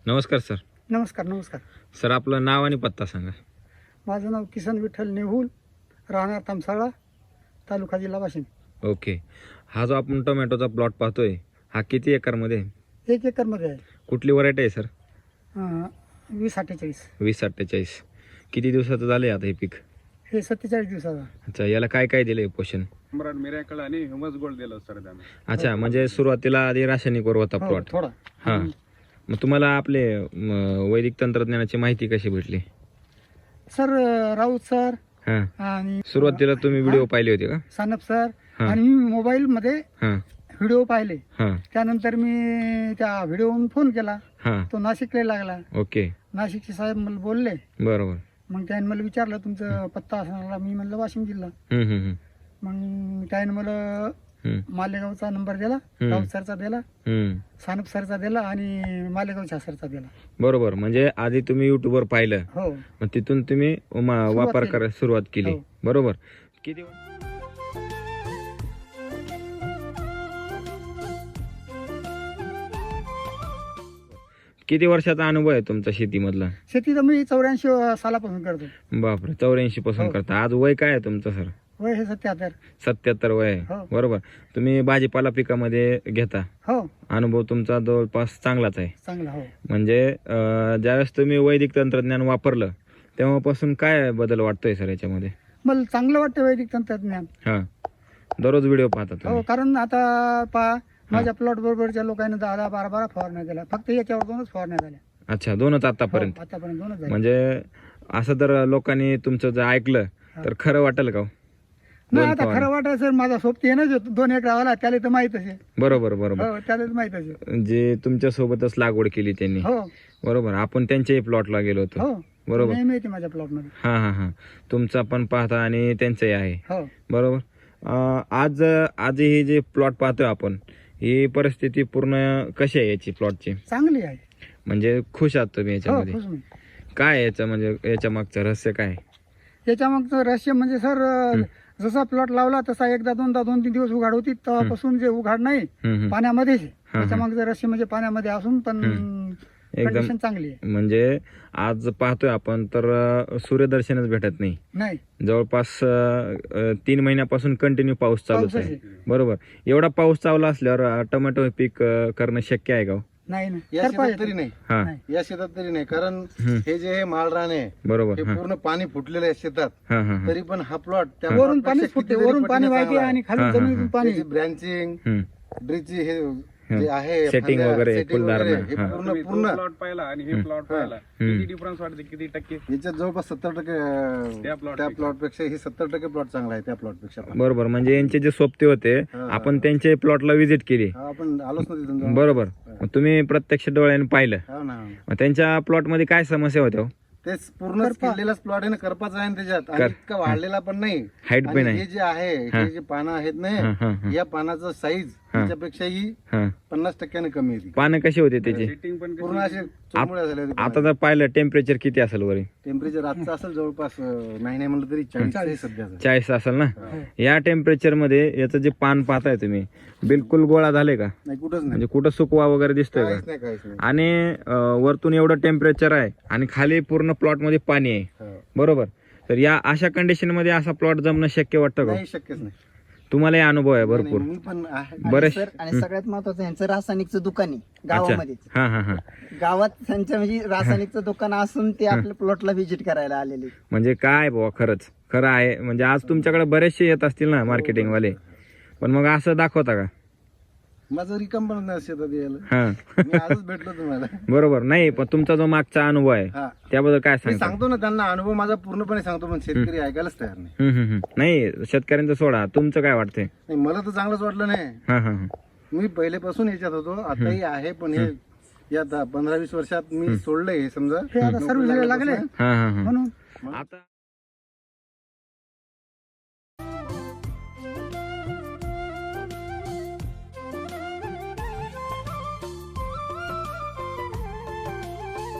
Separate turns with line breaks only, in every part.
नमस्कार सर.
नमस्कार नमस्कार.
सर आपलं नाव आणि पत्ता सांगा.
माझं नाव किसन विठ्ठल नेहुल, राहणार तामसाळा, तालुका जिल्हा वाशिम.
ओके. हा जो आपण टोमॅटोचा प्लॉट पाहतोय हा किती एकरमध्ये आहे?
1 एकरमध्ये आहे.
कुठली व्हरायटी आहे सर?
2048.
2047. किती दिवसाचं झालंय आता हे पीक?
हे 47 दिवसाचा.
अच्छा, याला काय काय दिलंय पोषण?
मिरॅकल आणि ह्युमस गोल्ड दिलं सर त्याने.
अच्छा, म्हणजे सुरुवातीला आधी रासायनिक वर होता
हो,
प्लॉट.
थोडा.
हा. मग तुम्हाला आपले वैदिक तंत्रज्ञानाची माहिती कशी भेटली?
सर राऊत सर
हा.
आणि
सुरुवातीला तुम्ही व्हिडिओ पाहिले होते का?
सानप सर
हा.
आणि मी मोबाईलमध्ये
हा.
व्हिडिओ पाहिले.
हा.
त्यानंतर मी त्या व्हिडिओवरून फोन केला.
हा.
तो नाशिकला लागला.
ओके.
नाशिकचे साहेब मला बोलले.
बरोबर.
मग त्याने मला विचारलं तुमचं पत्ता असणार. मी म्हणलं वाशिम जिल्हा.
हम्म हम्म
मग त्याने मला
हम्म
मालेगावचा नंबर दिला, राऊत सरचा दिला,
हम्म.
सानप सरचा दिला आणि मालेगावच्या सरचा दिला.
बरोबर. म्हणजे आधी तुम्ही युट्यूबवर पाहिलं,
हो
मग तिथून तुम्ही वापर
केली.
करायला सुरुवात केली.
हो.
बरोबर. किती किती वर्षाचा अनुभव आहे तुमचा शेतीमधला?
शेती तर मी 84 सालापासून करतो.
बापरे, 84 पासून
हो.
करता. आज वय काय आहे तुमचं सर?
वय हे 77.
77 वय आहे.
हो.
बरोबर. तुम्ही भाजीपाला पिकामध्ये घेता,
हो
अनुभव तुमचा जवळपास चांगलाच आहे.
चांगला. हो
म्हणजे ज्यावेळेस तुम्ही वैदिक तंत्रज्ञान वापरलं तेव्हापासून काय बदल वाटतोय सर याच्यामध्ये?
मला चांगलं वाटतं वैदिक तंत्रज्ञान.
हा. दररोज व्हिडिओ पाहता
हो
तुम्ही?
कारण आता पहा माझ्या प्लॉट बरोबरच्या लोकांनी 10-12 फवारण्या दिल्या. फक्त याच्यावर 2च फवारण्या झाल्या.
अच्छा, 2च आतापर्यंत?
हो, आतापर्यंत 2च झाल्या.
म्हणजे असं जर लोकांनी तुमचं जर ऐकलं तर खरं वाटेल का?
नाही
दोन
आता
फवारण्या.
खरं वाटायचं सर, माझा सोबती आहे ना 2 एकरावाला, त्याला तर माहितच आहे.
बरोबर बरोबर.
हो त्याला तर माहितच आहे.
जे तुमच्या सोबतच लागवड केली त्यांनी.
हो
बरोबर. आपण त्यांच्याही प्लॉटला गेलो होतो.
हो
बरोबर.
नेहमी येते माझ्या प्लॉट मध्ये.
हा हा हा. तुमचा पण पाहता आणि त्यांचंही आहे.
हो
बरोबर. आज ही जे प्लॉट पाहतोय आपण, ही परिस्थिती पूर्ण कशी आहे याची प्लॉटची?
चांगली आहे.
म्हणजे खुश आहात तुम्ही
हो
याच्यामध्ये?
खुश मी.
काय याचं म्हणजे याच्या मागचं रहस्य काय?
त्याच्या मग रहस्य म्हणजे सर जसा प्लॉट लावला तसा एकदा दोनदा 2-3 दिवस उघाड होती, तेव्हापासून जे उघाड नाही
हम्म.
पाण्यामध्येच आहे. त्याच्या मागचं रहस्य म्हणजे पाण्यामध्ये असून पण
एकदम
कंडिशन चांगली आहे.
म्हणजे आज पाहतोय आपण तर सूर्यदर्शनच भेटत नाही.
नाही
जवळपास 3 महिन्यापासून कंटिन्यू पाऊस चालूच
पाऊसच
आहे. बरोबर. एवढा पाऊस चालू असल्यावर टोमॅटो पीक करणं शक्य आहे का?
नाही ना
या
करता
शेतात
येतं.
तरी नाही.
हा.
नाही.
या शेतात तरी नाही, कारण
हम्म.
हे जे माळरान आहे
बरोबर.
हे
हा
पूर्ण पाणी फुटलेलं आहे शेतात.
हा हा हा.
तरी पण हा प्लॉट त्या
वरून पाणी फुटते, वरून पाणी वाहते आणि
हा,
खाली
हा,
जमिनीतून पाणी.
ब्रँचिंग
हम्म.
ड्रिची हे
हं.
जे आहे
Setting
फांद्या,
वगैरे,
setting
फुलधारणा.
वगैरे, हे
हा.
पूर्ण
तुम्ही
पूर्ण
प्लॉट पाहिला आणि हे प्लॉट पाहिला, किती डिफरन्स वाटते? किती टक्के
याच्यात जवळपास 70%
त्या plot
त्या
पेक्षा.
प्लॉट पेक्षा ही 70% प्लॉट चांगला आहे त्या प्लॉट पेक्षा पण.
बरोबर. म्हणजे यांचे जे सोबते होते
हा.
आपण त्यांच्या प्लॉटला व्हिजिट केली.
हा, आपण आलोच ना तिथून जाऊन.
बरोबर. मग तुम्ही प्रत्यक्ष डोळ्याने पाहिलं.
हो ना.
मग त्यांच्या प्लॉट मध्ये काय समस्या होत्या हो?
तेच पूर्ण
करपा.
केलेलाच प्लॉट आहे ना, करपाचा आहे ना त्याच्यात, आणि इतका वाढलेला पण नाही.
हाईट पण
आणि
आहे.
हे जे आहे
हा.
हे जे पानं आहेत
हा, हा, हा.
ना, या पानाचं साईज
हा.
त्याच्यापेक्षाही
हा.
50% कमी आहे.
पानं कशी होते त्याची?
सेटिंग पण कशी?
पूर्ण असे चुरमुळ्या झाले होते.
आता जर पाहिलं टेम्परेचर किती असेल वरी?
टेम्परेचर आजचं असेल जवळपास नाही नाही म्हणलं तरी 40 आहे सध्याचं.
40 असेल ना? या टेम्परेचर मध्ये याचं जे पान पाहताय तुम्ही बिलकुल गोळा झाले का?
नाही, कुठंच नाही,
म्हणजे कुठं सुकवा वगैरे दिसतोय
काहीच
का?
नाही, काहीच नाही.
आणि वरतून एवढं टेम्परेचर आहे आणि खाली पूर्ण प्लॉट मध्ये पाणी आहे.
हो.
बरोबर. तर या अशा कंडिशन मध्ये असा प्लॉट जमणं शक्य वाटतं का?
नाही, शक्यच नाही.
तुम्हाला अनुभव आहे
नाही,
भरपूर.
मी पण आहे.
बरेच.
सर आणि सगळ्यात महत्वाचं यांचं रासायनिकचं दुकान आहे गावामध्येच.
हा हा हा.
गावात त्यांचं म्हणजे रासायनिकचं दुकान असून ते आपल्या प्लॉटला व्हिजिट करायला आलेले.
म्हणजे काय बुवा, खरंच खरं आहे. म्हणजे आज तुमच्याकडे बरेचसे येत असतील ना मार्केटिंग वाले, पण मग असं दाखवता का?
माझं रिकम पण नाही शेतात यायला.
हा.
मी आजच भेटलो तुम्हाला.
बरोबर. नाही पण तुमचा जो मागचा अनुभव आहे
हा,
त्याबद्दल काय
मी
सांगता?
सांगतो ना त्यांना, अनुभव माझा पूर्णपणे सांगतो, पण शेतकरी ऐकायलाच तयार नाही.
नाही शेतकऱ्यांचं सोडा, तुमचं काय वाटतंय?
नाही, मला तर चांगलंच वाटलं नाही.
हा हा हा.
मी पहिलेपासून याच्यात होतो, आताही आहे, पण हे या 15-20 वर्षात मी सोडलंय हे समजा.
हे आता सर्व्हिसला लागले
हा हा हा.
म्हणून
आता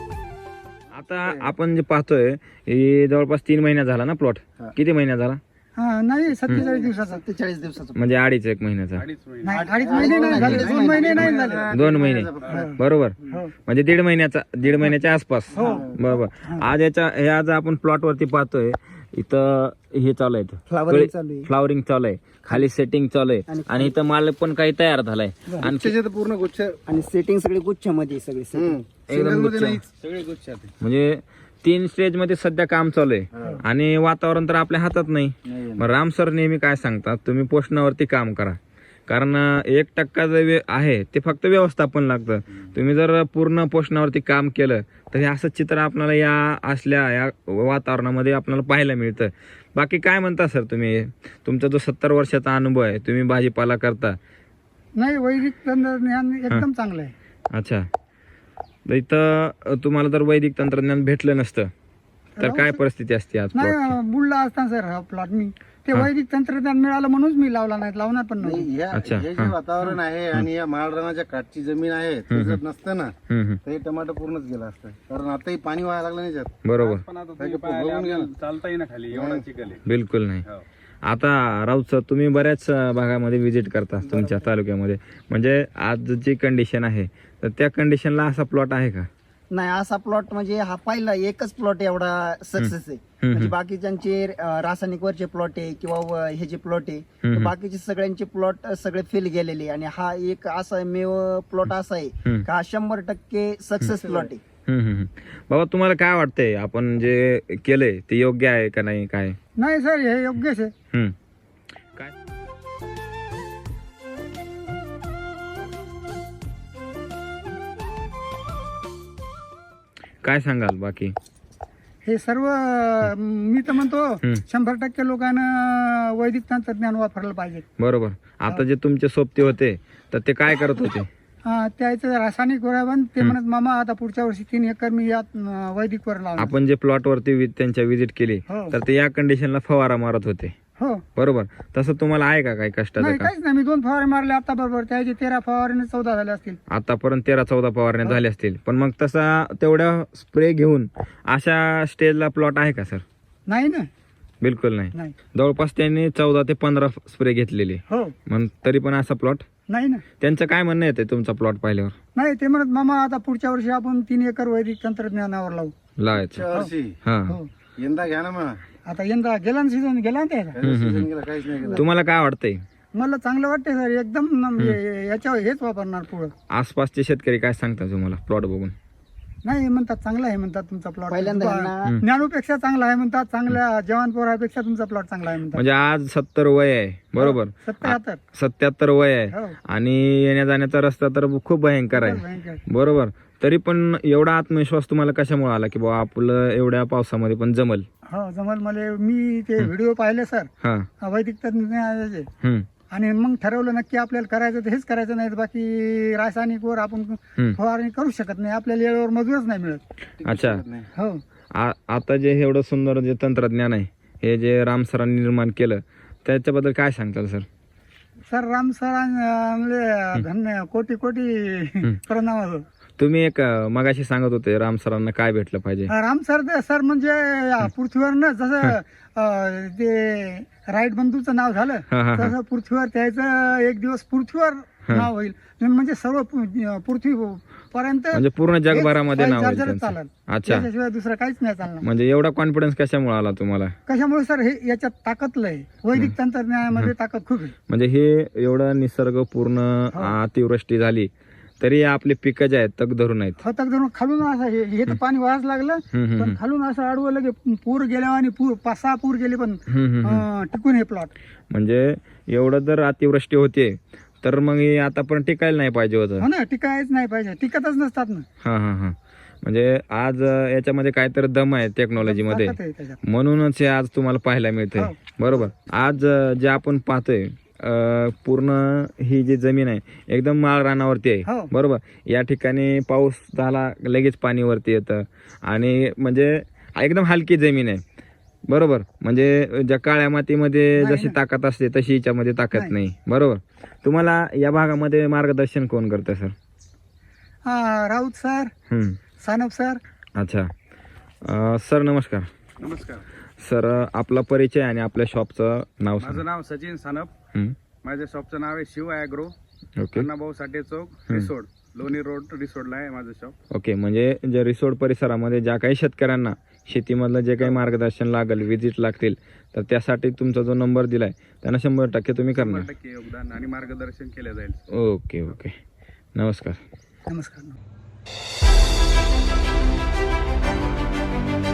आता आपण जे पाहतोय हे जवळपास 3 महिना झाला ना प्लॉट?
हा.
किती महिना झाला?
हा नाही 47 दिवसाचा
47 दिवसाचं.
म्हणजे 2.5-1 महिन्याचा.
2.5 महिने.
नाही 2.5 महिने नाही झाले, 2 महिने नाही झाले.
2 महिने बरोबर,
हो.
म्हणजे 1.5 महिन्याच्या आसपास. बरोबर. आज आपण प्लॉट वरती पाहतोय, इथं हे चालू आहे,
Flowering चालू आहे.
फ्लॉवरिंग चालू आहे, खाली सेटिंग चालू आहे, आणि इथं माल पण काही तयार झालाय. आणि
गुच्छाचे तर पूर्ण गुच्छ
आणि सेटिंग सगळी गुच्छामध्ये सगळी setting.
सिंगल मध्ये नाही.
सगळे गुच्छात आहे.
म्हणजे 3 स्टेज मध्ये सध्या काम चालू आहे, आणि वातावरण तर आपल्या हातात नाही. मग राम सर नेहमी काय सांगतात, तुम्ही पोषणावरती काम करा, कारण 1% जे आहे ते फक्त व्यवस्थापन लागतं. तुम्ही जर पूर्ण पोषणावरती काम केलं तर हे असं चित्र आपल्याला या वातावरणामध्ये आपल्याला पाहायला मिळतं. बाकी काय म्हणता सर तुम्ही, तुमचा जो 70 वर्षाचा अनुभव आहे, तुम्ही भाजीपाला करता.
नाही वैदिक तंत्रज्ञान एकदम चांगलं आहे.
अच्छा, तर इथं तुम्हाला जर वैदिक तंत्रज्ञान भेटलं नसतं तर काय परिस्थिती असते आज plot ची?
नाही बुडला असता सर हा प्लॉट. मी ते वैदिक तंत्रज्ञान मिळालं म्हणूनच मी लावला नाही, लावणार पण नाही.
नाही,
अच्छा,
हे जे वातावरण आहे आणि या माळरानाच्या काठची जमीन आहे ते जर नसतं ना
हम्म.
तर हे टमाटर पूर्णच गेलं असतं. कारण आताही पाणी व्हायला लागलं नाही त्यात.
बरोबर,
पण आता तुम्ही पाहिले आपल्याला चालता येईना खाली, एवढा चिखल आहे.
बिलकुल नाही.
हो.
आता राऊत सर, तुम्ही बऱ्याच भागामध्ये व्हिजिट करता तुमच्या तालुक्यामध्ये, म्हणजे आज जी कंडिशन आहे तर त्या कंडिशनला असा प्लॉट आहे का?
नाही असा प्लॉट म्हणजे हा पहिला एकच प्लॉट एवढा सक्सेस आहे. म्हणजे बाकीच्यांचे रासायनिक वरचे प्लॉट आहे किंवा हे जे प्लॉट आहे, तर बाकीचे सगळ्यांचे प्लॉट सगळे फेल गेलेले, आणि हा एक असा मेव प्लॉट असा आहे का 100% सक्सेस प्लॉट आहे.
बाबा, तुम्हाला काय वाटतंय, आपण जे केलंय ते योग्य आहे का नाही, काय?
नाही सर हे योग्यच आहे.
काय काय सांगाल बाकी?
हे सर्व मी तर म्हणतो 100% लोकांना वैदिक तंत्रज्ञान वापरलं पाहिजे.
बरोबर. आता जे तुमचे सोबते होते तर ते काय करत होते?
त्याचं रासायनिक बन ते म्हणत मामा आता पुढच्या वर्षी 3 एकर मी यात वैदिक वर लावणार.
आपण जे प्लॉट वरती त्यांच्या व्हिजिट केली
हो.
तर ते या कंडिशनला फवारा मारत होते.
हो
बरोबर. तसं तुम्हाला आहे का काही कष्टाचं
नाही
का?
काहीच नाही. मी 2 फवारे मारले आता बरोबर, त्याचे 13 फवारेने 14 झाले असतील.
आतापर्यंत 13-14 फवारण्या झाल्या असतील, पण मग तसा तेवढ्या स्प्रे घेऊन अशा स्टेजला प्लॉट आहे का सर?
नाही ना.
बिलकुल नाही.
नाही.
जवळपास त्यांनी 14 ते 15 स्प्रे घेतलेले,
हो
मग तरी पण असा प्लॉट.
नाही ना.
त्यांचं काय म्हणणं येते तुमचा प्लॉट पाहिल्यावर?
नाही ते म्हणत मामा आता पुढच्या वर्षी आपण 3 एकर वैदिक तंत्रज्ञानावर लावू.
लावायचं.
पुढच्या वर्षी
हा.
हो
यंदा घ्या ना मग.
आता यंदा गेला ना सीझन गेला ना त्याचा.
सीझन गेला काहीच नाही गेलं.
तुम्हाला काय वाटतंय?
मला चांगलं वाटतंय सर एकदम. याच्यावर हेच वापरणार पुढं.
आसपासचे शेतकरी काय सांगतात तुम्हाला प्लॉट बघून?
नाही म्हणतात चांगला आहे म्हणतात तुमचा प्लॉट.
पहिल्यांदा ह्यांना-
ज्ञानूपेक्षा चांगला आहे म्हणतात, चांगल्या जवान पोरापेक्षा तुमचा प्लॉट चांगला आहे म्हणतात.
म्हणजे आज 70 वय आहे, बरोबर?
77.
77 वय आहे,
हो.
आणि येण्या जाण्याचा रस्ता तर खूप भयंकर आहे,
भयंकर.
बरोबर. तरी पण एवढा आत्मविश्वास तुम्हाला कशामुळे आला की बाबा आपलं एवढ्या पावसामध्ये पण जमल?
हो जमल. मला मी ते व्हिडिओ पाहिले सर
हा.
वैदिक तंत्रज्ञानाचे,
हम्म.
आणि मग ठरवलं नक्की आपल्याला करायचं तर हेच करायचं, नाही तर बाकी रासायनिक वर आपण फवारणी करू शकत नाही. आपल्याला वेळेवर मजूरच नाही मिळत.
अच्छा.
हो
आता जे एवढं सुंदर जे तंत्रज्ञान आहे, हे जे राम सरांनी निर्माण केलं, त्याच्याबद्दल काय सांगताल सर?
सर राम सर धन्य कोटी कोटी प्रणाम असो.
तुम्ही एक मगाशी सांगत होते राम सरांना काय भेटलं पाहिजे?
राम सर म्हणजे या पृथ्वीवर ना जसं ते राईट बंधूचं नाव झालं
हा, हा, हा.
तसं पृथ्वीवर त्याचं एक दिवस पृथ्वीवर नाव होईल. म्हणजे सर्व पृथ्वी पर्यंत
म्हणजे पूर्ण जगभरामध्ये नाव होईल
चार्जरच
त्यांचं.
चालेल.
अच्छा.
त्याच्याशिवाय दुसरं काहीच नाही चालणार.
म्हणजे एवढा कॉन्फिडन्स कशामुळे आला तुम्हाला?
कशामुळे सर हे याच्यात ताकद लय. वैदिक तंत्रज्ञानामध्ये ताकद खूप आहे.
म्हणजे हे एवढं निसर्ग पूर्ण अतिवृष्टी झाली तरी आपले पिकं जे आहेत तग धरून आहेत.
फतक धरून खालून असं हे तर पाणी वाहच लागलं, पण खालून असं आडवं लगे पूर गेल्या आणि 5-6 पूर गेले पण टिकून हे प्लॉट.
म्हणजे एवढं जर अतिवृष्टी होते तर मग हे आता पण टिकायला नाही पाहिजे होतं.
हो ना, टिकायच नाही पाहिजे, टिकतच नसतात ना.
हा हा हा. म्हणजे आज याच्यामध्ये काहीतरी दम आहे टेक्नॉलॉजीमध्ये,
ताकद आहे त्याच्यात.
म्हणूनच हे आज तुम्हाला पाहायला मिळतंय, बरोबर. आज जे आपण पाहतोय पूर्ण ही जी जमीन आहे एकदम माळ रानावरती आहे,
हो.
बरोबर. या ठिकाणी पाऊस झाला लगेच पाणी वरती येतं, आणि म्हणजे एकदम हलकी जमीन आहे, बरोबर. म्हणजे ज्या काळ्या मातीमध्ये जशी ताकद असते तशी याच्यामध्ये ताकद नाही, बरोबर. तुम्हाला या भागामध्ये मार्गदर्शन कोण करतं sir?
Raut sir, Sanap sir.
अच्छा. सर नमस्कार.
नमस्कार.
सर आपला परिचय आणि आपल्या शॉपचं नाव
माझं नाव सचिन सानप.
हं.
माझ्या शॉपचं नाव आहे Shiv agro,
okay
Annabhau Sathe chowk, Risod, Loni road, रिसोडला आहे माझं शॉप.
ओके. म्हणजे जे रिसोड परिसरामध्ये ज्या काही शेतकऱ्यांना शेतीमधलं जे काही मार्गदर्शन लागेल, विजिट लागतील, तर त्यासाठी तुमचा जो नंबर दिलाय त्यांना 100% तुम्ही करणार.
100% योगदान आणि मार्गदर्शन केलं जाईल.
Okay okay. नमस्कार.
नमस्कार.